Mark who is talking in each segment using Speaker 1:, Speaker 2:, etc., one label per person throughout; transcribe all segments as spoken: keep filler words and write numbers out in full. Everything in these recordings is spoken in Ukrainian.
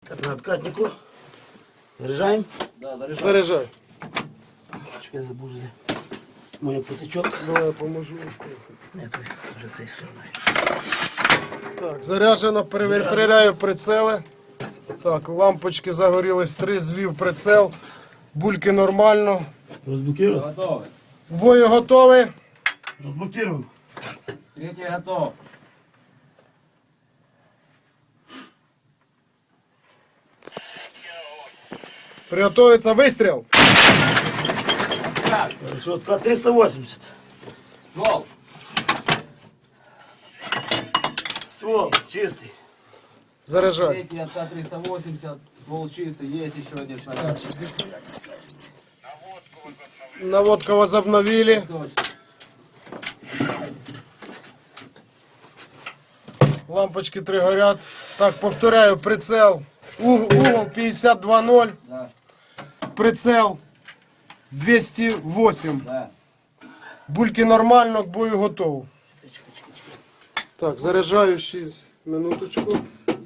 Speaker 1: Так, на откатнику. Заряжаем?
Speaker 2: Да, заряжай.
Speaker 3: Заряджай.
Speaker 1: Чекай, забув вже. Моє потичок.
Speaker 3: Давай я поможу.
Speaker 1: Ні, тут вже цією стороною.
Speaker 3: Так, заряджено, перевір- перевіряю прицели. Так, лампочки загорілись, три, звів прицел. Бульки нормально.
Speaker 1: Розблокував?
Speaker 2: Готовый.
Speaker 3: В бою готовий.
Speaker 1: Розблокував.
Speaker 2: Третий готов.
Speaker 3: Приготується вистріл.
Speaker 2: Так,
Speaker 1: Хорошо, откат триста восемьдесят.
Speaker 2: ствол.
Speaker 1: Ствол чистий.
Speaker 3: Заряджай.
Speaker 2: Третий откат триста восемьдесят. Ствол чистый. Есть еще один снаряд.
Speaker 3: Наводка возобновили.
Speaker 2: Точно.
Speaker 3: Лампочки три горять. Так, повторяю, прицел. Уг- Угол п'ятдесят два ноль.
Speaker 2: Да,
Speaker 3: Прицел двісті вісім.
Speaker 2: да.
Speaker 3: Бульки нормально, к бою готов. Так, заряджаю шість минуточку.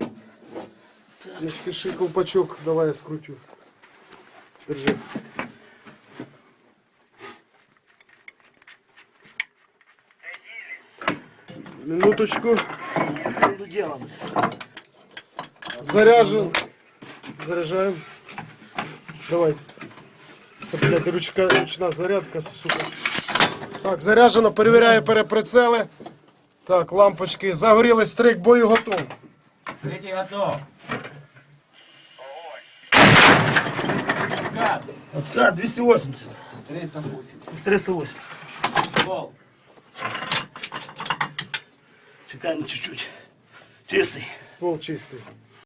Speaker 3: Не спіши, ковпачок, давай я скрутю. Держи. Минуточку.
Speaker 1: До діла, блядь.
Speaker 3: Заряжен. Заряжаем. Давай. Це, блядь, ручка, ручна зарядка, сука. Так, заряджено, перевіряю переприцели. Так, лампочки. Загорілись, стрик, бою готов.
Speaker 2: Третий готов. Откат.
Speaker 1: Откат двісті вісімдесят.
Speaker 2: триста восемьдесят.
Speaker 1: триста вісімдесят.
Speaker 2: Ствол.
Speaker 1: Чекаємо чуть-чуть. Чистий.
Speaker 3: Ствол чистий.